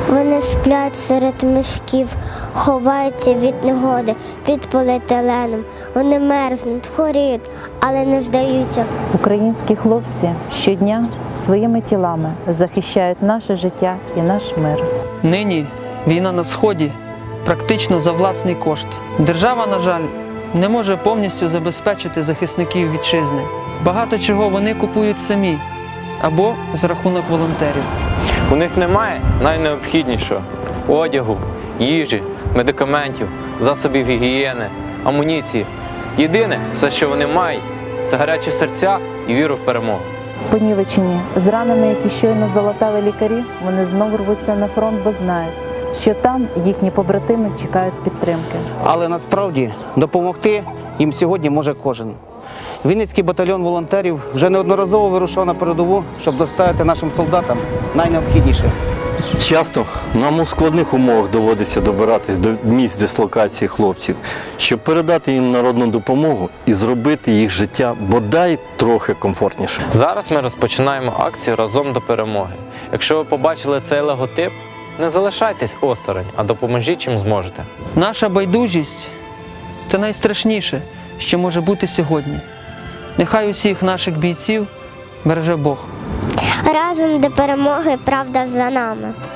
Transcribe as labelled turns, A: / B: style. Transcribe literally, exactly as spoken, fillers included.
A: Вони сплять серед мішків, ховаються від негоди, під поліетиленом. Вони мерзнуть, хворіють, але не здаються.
B: Українські хлопці щодня своїми тілами захищають наше життя і наш мир.
C: Нині війна на Сході практично за власний кошт. Держава, на жаль, не може повністю забезпечити захисників вітчизни. Багато чого вони купують самі або за рахунок волонтерів.
D: У них немає найнеобхіднішого – одягу, їжі, медикаментів, засобів гігієни, амуніції. Єдине, все, що вони мають – це гарячі серця і віру в перемогу.
B: Понівечені, зранені, які щойно залатали лікарі, вони знову рвуться на фронт, бо знають, що там їхні побратими чекають підтримки.
E: Але насправді допомогти їм сьогодні може кожен. Вінницький батальйон волонтерів вже неодноразово вирушав на передову, щоб доставити нашим солдатам найнеобхідніше.
F: Часто нам у складних умовах доводиться добиратись до місць дислокації хлопців, щоб передати їм народну допомогу і зробити їх життя бодай трохи комфортніше.
D: Зараз ми розпочинаємо акцію «Разом до перемоги». Якщо ви побачили цей логотип, не залишайтесь осторонь, а допоможіть чим зможете.
C: Наша байдужість – це найстрашніше, що може бути сьогодні. Нехай усіх наших бійців береже Бог.
A: Разом до перемоги, правда за нами.